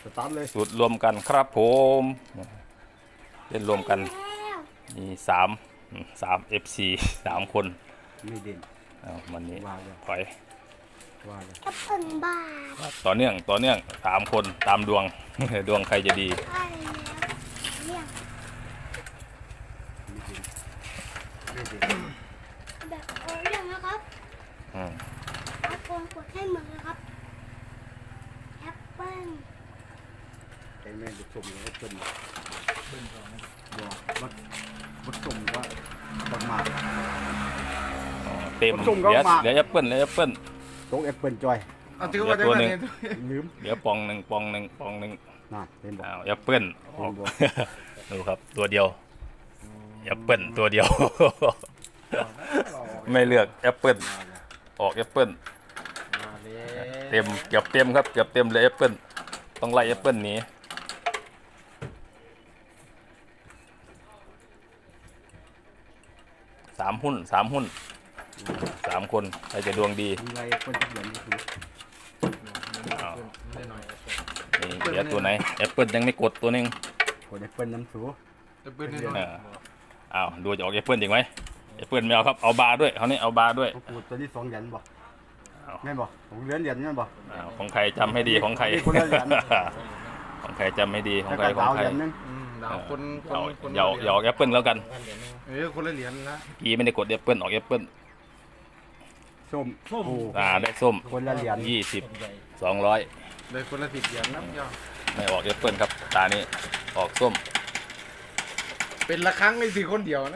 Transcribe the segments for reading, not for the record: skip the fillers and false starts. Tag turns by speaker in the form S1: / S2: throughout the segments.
S1: สตาร์ทเลย
S2: สูตรรวมกันครับผมเล่นรวมกันมี3 FC 3 คน
S1: ไม่เด่น
S2: มันนี้
S1: ว่าเลย
S2: ถอย
S1: ว่าเลย
S3: แอปเปิลบ้า
S2: ต่อเนื่อง3 คนตามดวง ดวงใครจะดี
S3: ใช่แล้วเนี่ย
S1: ไม่เด่น
S3: แบบเรื่องนะครับเอาโฟนกดให้เหมือนนะครับแอปเปิ้ล
S1: ไอ้แม่งจะชมเลยชมบอกวัดชมว่าประมาณ
S2: เต็ม
S1: ผมก็
S2: เหลือ
S1: มา
S2: แอปเปิ้ล
S1: ตรงแอปเปิลจอย
S4: เอาถือว่าได้
S2: ตัว
S4: ไห
S2: ห
S4: ม
S2: นึ่ง
S1: ลืม
S2: เหลือปองหนึ่ง
S1: น่ะเห็นบอก
S2: แอปเปิ้ลออก ดูครับตัวเดียวแอปเปิ้ลตัวเดียว ไม่เลือกแอปเปิ้ลออกแอปเปิ้ลเต็มเกือบเต็มครับเกือบเต็มเลยแอปเปิ้ลต้องไล่แอปเปิ้ลหนี3 หุ้น3 คนใครจะดวงดี
S1: มีอะไรคนจะเหลือนี่คือ
S2: นี่เหลือตัวไหนแอปเปิ้ลยังไม่กดตัวหนึง
S1: คนแอปเปิลน้ำสู
S4: จะเปิดให้
S2: อ้าวดูจะออกแอปเปิ้ลอีกไหมแอปเปิ้ลไม่เอาครับเอาบาร์ด้วยเขานี่เอาบาร์ด้วย
S1: กูตัวที่2 เหรียญบ่
S2: เอา
S1: แม่นบ่ผมเหรียญแม่นบ่
S2: ของใครจำให้ดีของใคร
S1: มีคนละเหรียญ
S2: ของใครจำไม่ดีของ
S1: แล้ว
S2: ใคร
S1: ก็
S2: ของ
S1: ดาว
S2: ใคร
S1: เหรียญนึง
S4: ดาวคน
S2: อย่าออกแอปเปิ้ลแล้วกัน
S4: คนละเหรียญนะ
S2: กี้ไม่ได้กดแอปเปิ้ลออกแอปเปิ้ล
S1: ส้มโอ้
S2: ได้ส้ม
S1: คนละเหรียญ
S2: 20 200
S4: เลยคนละ10 เหรียญนะย่อ
S2: ไม่ออกแอปเปิ้ลครับตานี้ออกส้ม
S4: เป็นละครั้งใน4 คนเดียวนะ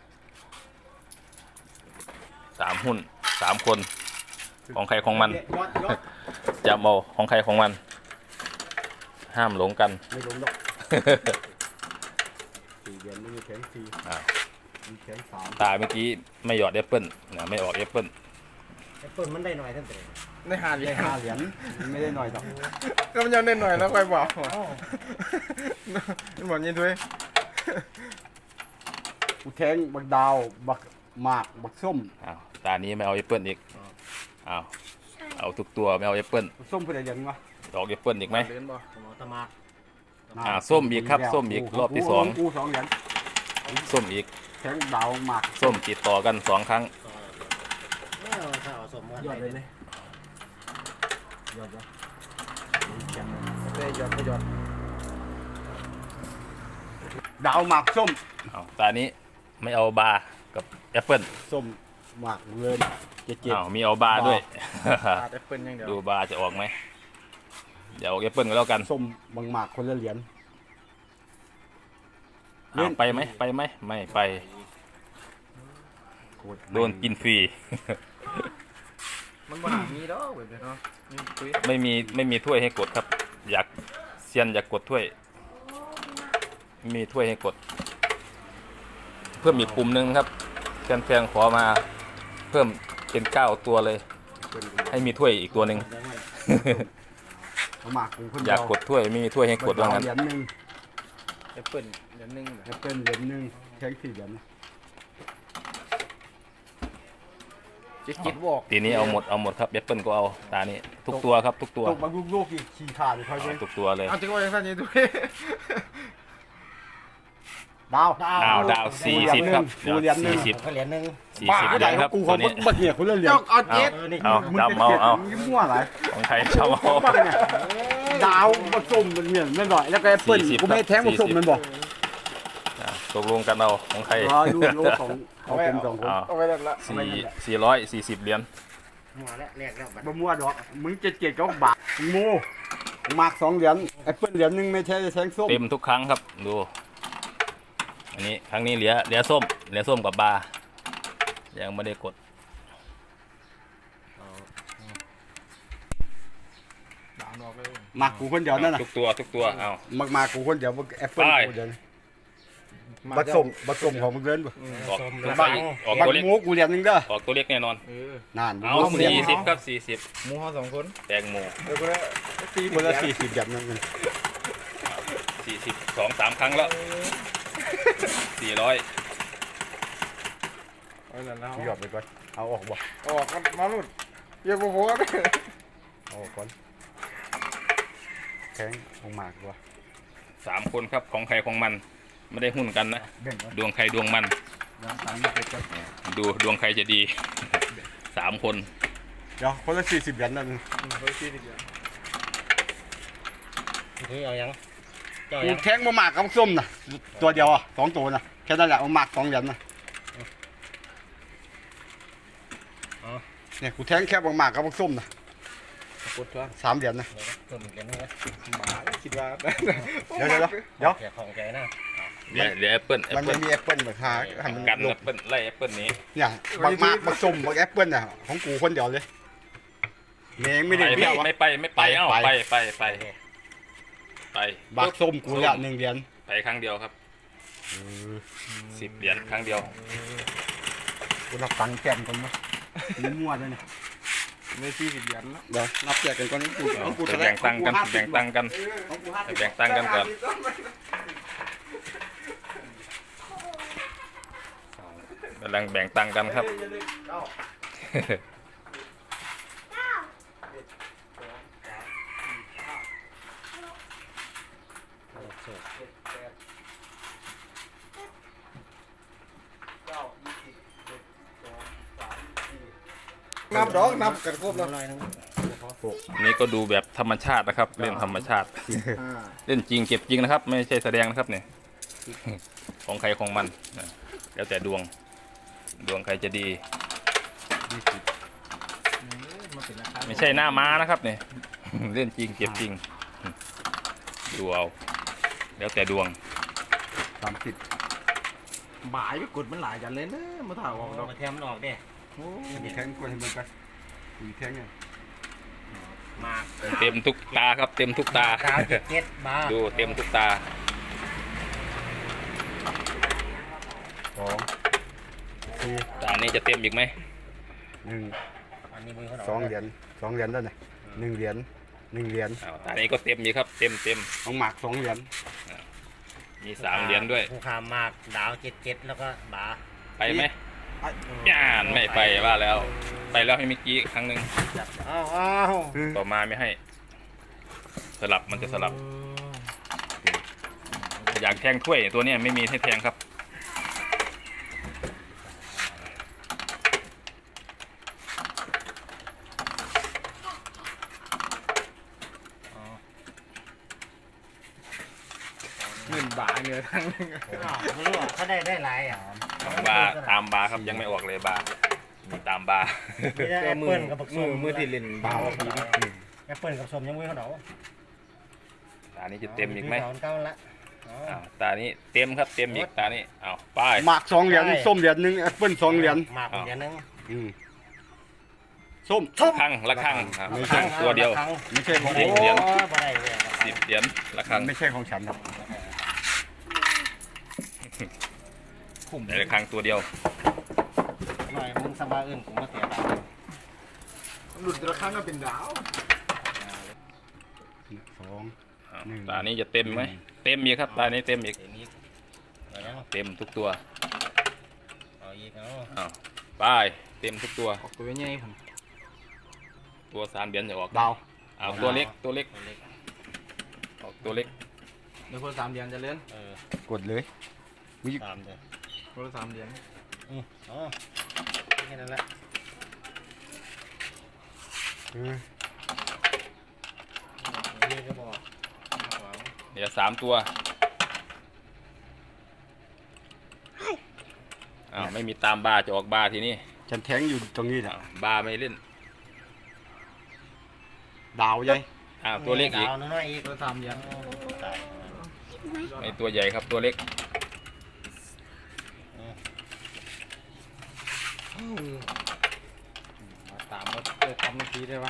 S2: 3 หุ้น3 คนของใครของมัน
S1: ยอด
S2: จำเอาของใครของมัน ห้ามหลงกัน
S1: ไม่ลงดอก4 เหรียญไม่มีแข็ง4
S2: อ้าว
S1: มีแข็ง3
S2: ตาเมื่อกี้ไม่หยอดแอปเปิ้ลนะไม่ออกแอปเปิ้ล
S5: แอปเปิลมันได้หน่อยท่านเต๋อ
S4: ได้5 เหรียญ
S1: 5 เหรียญไม่ได้หน่อยดอก
S4: ก็มันยังได้หน่อยนะค่อยบอกมันบอกยังด้วย
S1: กูแทงบักดาวบักหมากบักส้ม
S2: อ้าวตานี้ไม่เอาแอปเปิ้ลอีกอ้าวเอาทุกตัวไม่เอาแอปเปิ้ล
S1: บักส้มเพื่อเหรียญวะ
S2: ออกแอปเปิ้ลอีกไหม
S4: เหรียญบ่
S5: หมอตะมาก
S2: ส้มอีกครับส้มอีกรอบที่
S1: กู2 เหรียญ
S2: 2ส้มอีก
S1: แทงดาวหมาก
S2: ส้มติดต่อกัน2 ครั้ง
S5: ถ้าเอาสมกัน
S1: ยอดเลยไหมยอด
S4: ได้หยอดก็หยอด
S1: ดาวหมากส้ม
S2: อ้าวตานี้ไม่เอาบาร์กับแอปเปิ้ล
S1: ส้มหมากเงินเจ็ด
S2: อ้าวมีเอาบาร์ด้วย
S4: ขาดแอปเปิ้ลอย่างเดียว
S2: ดูบาร์จะออกไหมเดี๋ยวออกแอปเปิ้ลก็แล้วกัน
S1: ส้มบางหมากคนละเหรียญ
S2: อ้าวไปไหมไม่ไปโดนกินฟรี
S4: มันบ่มีดอกแบบนี้เนาะนี่คุย
S2: ไม่มีถ้วยให้กดครับ อยากเซียนอยากกดถ้วยไม่มีถ้วยให้กด เพิ่มอีกปุ่มหนึ่งครับแฟนๆขอมาเพิ่มเป็น9 ตัวเลย ให้มีถ้วยอีกตัวหนึ่ง
S1: หมากกูคน
S2: อ
S1: เดี
S2: ยากกดถ้วยไม่มีถ้วยให้กดว่างั้น
S1: เหรียญหนึ่ง
S4: แอปเปิ้ลเหรียญนึง
S1: แอปเปิ้ลเหรียญหนึ่งแทง4 เหรียญ
S4: จิตบอก
S2: ทีนี้เอาหมดครับแอปเปิลก็เอาตานี้ทุกตัวครับทุกตัว
S1: ตกบางลูกๆอีกขี้ขาดเขาเลย
S2: ทุกตัวเลย
S4: เอาจริงว่าอย่างนั้นยังด้วย
S1: ดาว
S2: ดาว40ครับเดี๋ยว
S1: เหรียญหนึ่ง
S5: ก็เหรียญหนึ่ง
S2: 40เหรียญครับ
S1: กู
S2: ตั
S1: เขา
S2: วนี้
S1: บักเนี่ยคนละเหรียญ
S4: เจ้าเอาเจ็ด
S5: นี่
S2: เอาจำเอา
S1: มึงมั่วอะไร
S2: ของใครจำเอา
S1: ดาวผสมมันเนี่ยไม่หน่อยแล้วก็แอปเปิ้ล
S2: 40
S1: กูไม่แทงผสมมันบอก
S2: ตกลงกันเอาของใคร
S1: ดูโลของเขาเป็น2 คน
S4: เอาไว้แล้วละ
S2: 440 เหรียญ
S5: หัวแล้วแรกแล้วบัด
S1: บะมั่วดอกมึงเจ็ดก็บาทโม่หมาก2 เหรียญแอปเปิ้ลเหรียญหนึ่งไม่ใช่แทงส้ม
S2: เต็มทุกครั้งครับดูอันนี้ครั้งนี้เหลือส้มกับบาร์ยังไม่ได้กด
S4: ดาวนอกเลย
S1: หมากกูคนเดียวนั่นน่ะ
S2: ทุกตัวเอา
S1: หมากกูคนเดียวแอปเปิ้ล
S2: ไป
S1: กูเดียวผสมของมึงเล่นบ่
S2: ออก
S1: บัก
S2: ตัวเล็ก
S1: โม่กูเหรียญหนึงเด้อ
S2: ออกตัวเล็กแน่นอน
S1: นั่น
S2: เอา
S1: เหรียญ
S2: 40ครับ40
S4: หมูห่อ2 คน
S2: แตงโม
S4: เดี๋ยวก็ได้ตี
S1: คนละ40 เหรียญนั่นเอง
S2: 40 2-3 ครั้งแล้ว400
S4: เอาแล้วนะ
S1: หยอดไปก่อนเอาออกบ่
S4: ออกกันมาลุดเยอะกว่าผม
S1: เอาออกก่อนแข็งลงมากกว่า
S2: 3 คนครับของใครของมันไม่ได้หุ้นกันนะ
S1: แบ่งกัน
S2: ดวงใครดวงมัน
S1: ยางตังค์ไม่เป็นก็
S2: ดูดวงใครจะดี 3 คน
S1: เดี๋ยวคนละ40 เหรียญนั่น
S5: คือเอายังเจ้า
S1: กู
S5: ยัง
S1: แข็งมากกับส้มน่ะตัวเดียวอ่ะ2 ตัวน่ะแค่นั้นแหละมาก2 เหรียญน่ะเนี่ยกูแทงแค่มากกับส้มน่ะ
S4: กดช่วง
S1: 3 เหรียญน่ะ
S5: เพิ่มอีกเดือนนึงนะ
S4: หมาคิดว่า
S1: เดี๋ยว
S5: แกของใจนะ
S2: เดี๋ยวแอปเปิ้ล
S1: มันไม่มีแอปเปิ้ลแบบหาให้มัน
S2: กัน
S1: ล
S2: แอง ปเปิ้ลไล่แอปเปิ้ลนี้
S1: เนี่ยบักมากบักส้มบักแอปเปิ้ลน่ะของกูคนเดียวเลยแม่งไม่ได้เบี้ยววะ
S2: ไม่ไปเอ้าไป
S1: บักส้มกูละ1 เหรียญ
S2: ไปครั้งเดียวครับ10 เหรียญครั้งเดียว
S1: กูรับตังค์แก้มก่อนมั้ยนี่มั่วเลยเนี่ย
S4: ไม่40 เหรียญแล้ว
S1: เดี๋ยวนับแจกกันก่อนนี่กูของกู
S2: จะแบ่งตังค์กันแบ่งตังค์กัน
S1: ของกู
S2: แบ่งตังค์กันก่อนกำลังแบ่งตังค์กันครับ
S4: นับดอกนับกันครบแล้ว
S5: ลอยนึง
S2: นี่ก็ดูแบบธรรมชาตินะครับ เล่นธรรมชาติ เล่นจริงเก็บจริงนะครับ ไม่ใช่แสดงนะครับเนี่ย ของใครของมันนะแล้วแต่ดวงใครจะดี ไม่ใช่หน้าม้านะครับเนี่ย เล่นจริงเก็บจริงดูเอาแล้วแต่ดวง
S1: 30
S4: หมายไปกดมันหลายจันเลยนะมาถ่ายออกดอก
S5: มาแทมมันออกเด้
S1: มีแทงกวนให้มันไปมีแทงเนี่ย
S5: มาก
S2: เต็มทุกตาครับ เต็มทุกตา
S5: กาวเจ็ดบาท
S2: ดูเต็มทุกตา
S1: 2 4
S2: ตานี้จะเต็มอีกไหม
S1: 1
S5: อันนี้มือเขา
S1: 2 เหรียญ2 เหรียญแล้วเนี่ย1 เหรียญ1 เหรียญ
S2: อ้าวตานี้ก็เต็มอีกครับ เต็ม
S1: ของหมาก2 เหรียญ
S2: มี3 เหรียญด้วย
S5: ผู้ขามมากดาวเจ็ดแล้วก็บา
S2: ไปไหมย่านไม่ไปว่าแล้ว ไปแล้วให้เมื่อกี้ครั้งหนึ่ง
S5: อ้าว
S2: ต่อมาไม่ให้ สลับมันจะสลับ อยากแทงถ้วยตัวเนี้ยไม่มีให้แทงครับ
S4: 1 บาทเนี่ยทั้งนึง
S5: ไม่รู้อ่ะเขาได้หลายอ่ะ
S2: บาร์ตามบาร์ครับยังไม่ออกเลยบาร์มีตามบาร์
S5: ไม่ได้แอปเปิ้ลกับผักส้ม
S4: มือที่เล่นเบาดีนะ
S5: แอปเปิ้ลกับส้มยังมือเขาเนาะ
S2: ตานี้จะเต็มอีกไหม
S5: เก้าละ
S2: อ้าวตานี้เต็มครับเต็มอีกตานี้อ้าวไป
S1: หมาก2 เหรียญส้มเหรียญ1แอปเปิ้ล2 เหรียญ
S5: มากเหรียญนึง
S1: ส้ม
S2: ละครั้งครับ
S1: ไม่
S2: ละ
S1: ใช่
S2: ครั้งตัวเดียว
S1: ไม่ใช่ของ
S2: สิ
S1: ผ
S2: บ
S1: ม
S2: เหรียญ
S5: บ่ได้เลย
S2: 10 เหรียญละครั้ง
S1: ไม่ใช่ของฉันครับ
S2: แต่ละครั้งตัวเดียว
S5: หน่อยมึงสบายอื่นผมก็เสียดาย
S4: หลุดแต่ละครั้งก็เป็นดาว
S1: 2
S2: อ้าวตานี้จะเต็มไหมเต็มอีกครับตานี้เต็มอีก
S5: เดี๋ยวนี้เอายัง
S2: เต็มทุกตัว
S5: เอาอีกเอา
S2: อ้าวไปเต็มทุกตัว
S4: ออกตัวใหญ่ผม
S2: ตัว3 เหรียญจะออก
S1: ดาว
S2: อ้าวตัวเล็กตัวเล็ก
S5: ตัวเล็ก
S2: ออกตัวเล็ก
S4: เดี๋ยวคน3 เหรียญจะเล่น
S1: กดเลยมี
S5: ตามเด้อ
S4: คนละ3 เหรียญ
S5: อ๋อแค่นั้นแหละ นี่ก็บอก
S2: เดี๋ยว3 ตัวอ้าวไม่มีตามบาร์จะออกบาร์ทีนี้
S1: ฉันแทงอยู่ตรงนี้แหละ
S2: อ้าวบาร์ไม่เล่น
S1: ดาวใหญ่
S2: อ้าวตัวเล็กอีก
S5: ดาวน้อยๆอีก
S4: คนละ3 เหรียญ
S5: ตาย
S2: ไอตัวใหญ่ครับตัวเล็ก
S4: ตามมาทำนาทีได้ปะ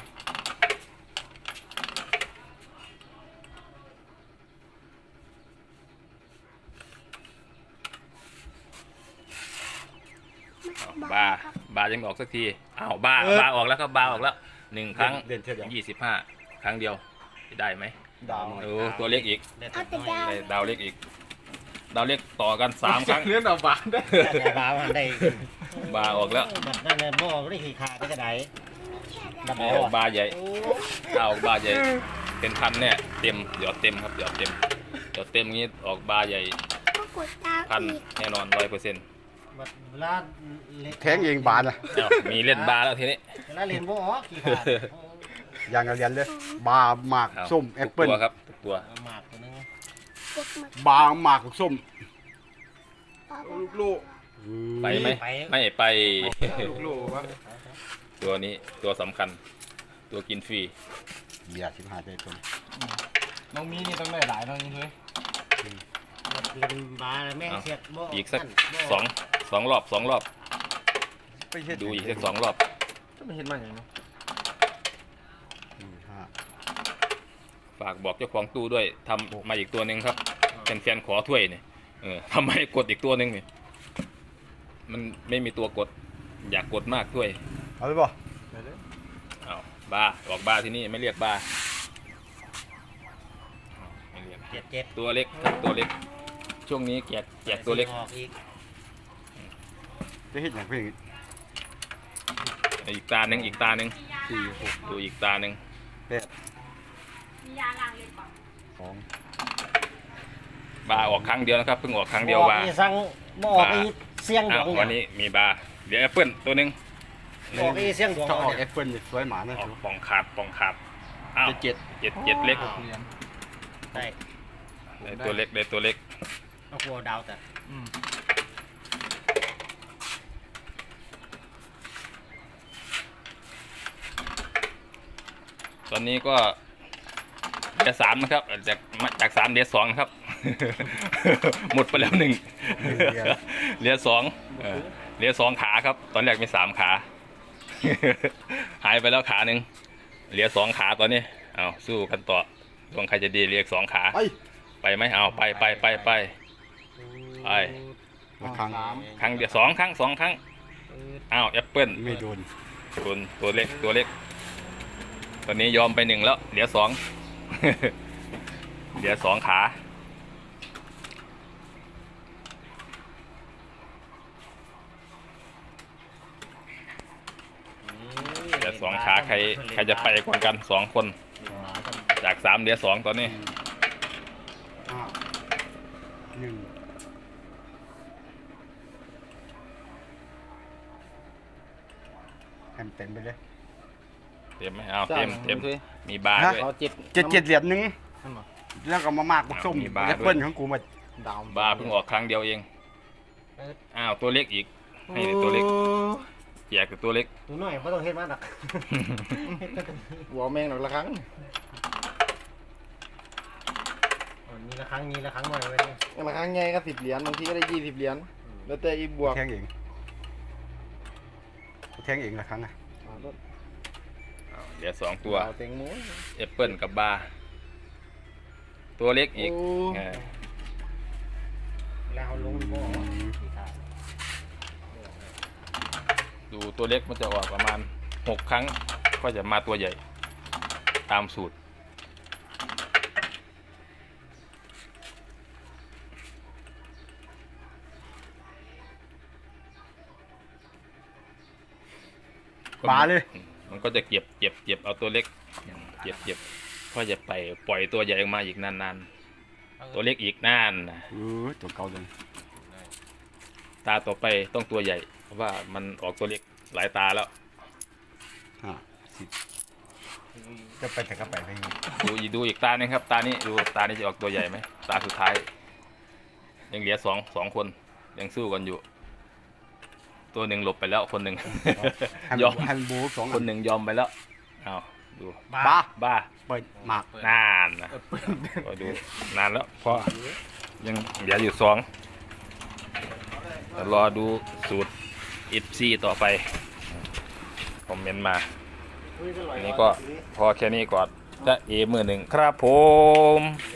S2: บาร์ยังไม่ออกสักทีอ้าวบาร์ออกแล้วครับบาร์ออกแล้ว1 ครั้ง
S1: เด่นเท่าเดียว
S2: 25 ครั้งเดียวได้ไหม
S1: ดาว
S2: โอ้ตัวเล็กอีก
S5: ได้
S3: เอา
S5: แต่
S3: แต่
S5: น้อย
S3: ดาว
S2: ได้ดาวเล็กอีก ดาวเล็กต่อกัน3 ครั้ง
S4: เล่นเอาบาทได้
S5: ได้บามันได้
S2: บาร์ออกแล้ว
S5: แบบนั่นเลยบ่ได้ขี่ขาดได้กระไดดับ
S2: ไม่
S5: เบิล
S2: ออกบาร์ใหญ่
S5: โอ้
S2: ถ้าออกบาร์ใหญ่เป็นพันเนี่ยเต็มหยอดเต็มครับหยอดเต็มงี้ออกบาร์ใหญ่
S3: ก็กดตาม
S2: พัน
S3: อีก
S2: แน่นอน100%
S5: เวลาเล่น
S1: แทงเองบานนะ
S2: อ้าวมีเล่นบาร์แล้วทีนี้
S5: เวลาเล่นบ่ออกกี่ขาด
S1: อย่างกับเรียนเลยบาร์หมาก
S2: อ้าว
S1: ส้มแอปเปิ้ล
S2: ทุกตัวครับทุกตัว
S5: เอาหมากตัวนึง
S3: กดมา
S1: บาร์หมากส้ม
S3: ต่อ
S4: ลูก
S2: ไปไหมไม่ไป
S4: ลูกวะ
S2: ตัวนี้ตัวสำคัญ ตัวกินฟรี
S1: เบียร์15ใจต้น
S4: น้องมีนี่ต้องได้หลายน้องนี่เลย
S5: เล่นบาร์แม่งเสียดบ่
S2: อีกสัก
S5: บ่
S2: สองรอบ
S1: ไปเฮ็ด
S2: ดูอีกสัก2 รอบ
S4: จะไม่เห็นมันอย่างนี้
S2: ฝากบอกเจ้าของตู้ด้วยทำมาอีกตัวหนึ่งครับแฟนๆขอถ้วยเนี่ยทำไมกดอีกตัวหนึ่งเนี่ยมันไม่มีตัวกด อยากกดมากถ้วย
S1: เอาไปบ่
S2: เอาบาร์ออกบาร์ที่นี่ไม่เรียกบาร์อ้าวไม่เรียก
S5: เจ็ด
S2: ตัวเล็กครับตัวเล็ก ช่วงนี้แจกตัวเล็ก
S5: ออกอีก
S1: จะเฮ็ดอย่างเพิ่น
S2: อีกตาหนึ่ง
S1: 4 6
S2: ดูอีกตาหนึ่ง
S3: มียาล้างเลยก่อน
S1: 2
S2: บาร์ออกครั้งเดียวนะครับเพิ่งออกครั้งเดียว
S5: บ่ออก
S2: บาร์
S5: อีสั่งบ่ออกอีเสียงด
S2: อ้าว
S5: วง
S2: วันนี้มีบาร์เดี๋ยวแอปเปิ้ลตัวหนึ่ง
S5: บ่ออกอีเสียงดวง
S1: ถ้าออก
S5: เนี่
S1: แอย ปเปิ้ลนี่สวยหมานะ
S2: ออกปองขาดอ้าว
S1: เจ็ด
S2: เจ็ดเล็ก
S5: อ้าว ได้
S2: ได้ตัวเล็กได้ตัวเล็ก
S5: เอาหัวดาวแต่
S2: ตอนนี้ก็เหลือ3นะครับจาก3เหลือ2นะครับ หมดไปแล้ว1เหลือ2เหลือ2ขาครับ ตอนแรกมี3ขา หายไปแล้วขาหนึ่งเหลือ2ขาตอนนี้เอาสู้กันต่อดวงใครจะดีเหลืออีก2ขา
S1: ไป
S2: ไปไหมเอาไปไป
S1: ละครั้ง
S2: ครั้งเดียว2 ครั้ง2 ครั้งอ้าวแอปเปิ้ล
S1: ไม่โดน
S2: ตัวเล็กตอนนี้ยอมไป1แล้วเหลือ2 เหลือ2 ขาเหลือ2 ขาใครจะไปก่อนกัน2 คนจาก3เหลือ2ตอนนี้
S1: 1เต็มไปเลย
S2: เต็มไหมเอาเต็มมีบาร์ด้วย
S4: เอา7
S1: 7 เหรียญนึงแล้วก็มามากบักส้ม
S2: มีบาร์
S1: แอปเปิ้ลของกูมา
S4: ดาว
S2: บาร์เพิ่งออกครั้งเดียวเองอ้าวตัวเล็กอีกให้ตัวเล็กแจกแต่ตัวเล็ก
S5: ตัวน้อยบ่ต้องเฮ็ดมาดอก
S4: หัวแมงหน่อยละครั้ง
S5: มีละครั้งหน่อยไว้นี่
S4: ละครั้งไงก็10 เหรียญบางทีก็ได้20 เหรียญแล้วแต่อีบวก
S1: แทงเองละครั้งอ่ะ
S2: อ้าวเหลือ2 ตัว
S4: เต็งหมู
S2: แอปเปิ้ลกับบาร์ตัวเล็กอีก
S4: โอ้
S2: เออ
S5: แล้วเอาลงบ่ออกกี่ขาด
S2: ดูตัวเล็กมันจะออกประมาณ6 ครั้งก็จะมาตัวใหญ่ตามสูตร
S1: บาเลย
S2: มันก็จะเก็บเอาตัวเล็กเก็บก็จะไปปล่อยตัวใหญ่ออกมาอีกนานๆตัวเล็กอีกนานนะ
S1: ตัวเก่าเลย
S2: ตาต่อไปต้องตัวใหญ่เพราะว่ามันออกตัวเล็กหลายตาแล้ว
S1: 10จะไปแต่ก็ไปไป
S2: ดูอีกตาหนึงครับ ตานี้ดูตานี้จะออกตัวใหญ่ไหมตาสุดท้าย ยังเหลือสองคนยังสู้กันอยู่ ตัวหนึ่งหลบไปแล้วคนหนึ่ง ยอม
S1: ฮันบูสอง
S2: คนหนึ่งยอมไปแล้วเอาดู
S1: บา
S2: บ้า
S1: เปิดหมาก
S2: นานนะก็ดูนานแล้วเพราะยังเหลืออยู่2รอดูสูตรอิฟซีต่อไปคอมเมนต์มาอันนี้ก็พอแค่นี้ก่อนจะมือหนึ่งครับผม